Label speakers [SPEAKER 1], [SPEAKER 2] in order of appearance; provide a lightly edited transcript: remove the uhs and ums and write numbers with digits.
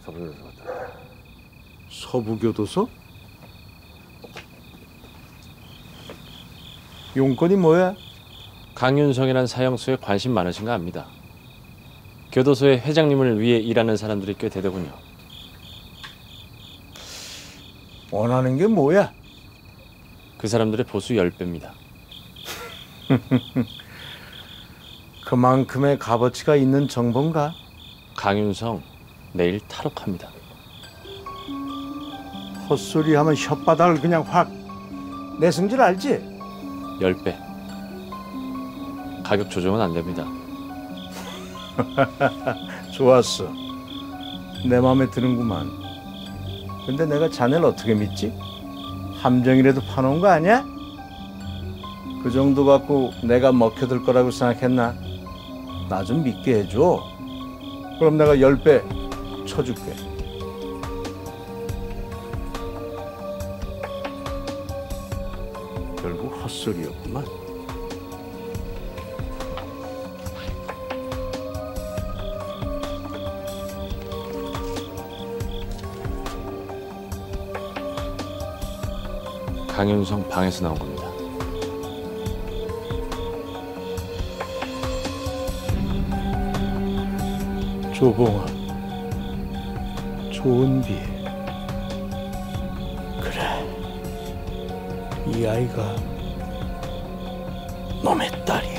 [SPEAKER 1] 서부교도소다.
[SPEAKER 2] 서부교도소? 용건이 뭐야?
[SPEAKER 3] 강윤성이란 사형수에 관심 많으신가 합니다. 교도소의 회장님을 위해 일하는 사람들이 꽤 되더군요.
[SPEAKER 2] 원하는 게 뭐야?
[SPEAKER 3] 그 사람들의 보수 10배입니다.
[SPEAKER 2] 그만큼의 값어치가 있는 정보인가?
[SPEAKER 3] 강윤성 내일 탈옥합니다.
[SPEAKER 2] 헛소리하면 혓바닥을 그냥 확. 내 성질 알지?
[SPEAKER 3] 10배. 가격 조정은 안 됩니다.
[SPEAKER 2] 좋았어. 내 마음에 드는구만. 근데 내가 자네를 어떻게 믿지? 함정이라도 파놓은 거 아니야? 그 정도 갖고 내가 먹혀들 거라고 생각했나? 나 좀 믿게 해줘. 그럼 내가 10배 쳐줄게. 결국 헛소리였구만.
[SPEAKER 3] 강윤성 방에서 나온 겁니다.
[SPEAKER 2] 조봉아, 좋은 비. 그래, 이 아이가 놈의 딸이.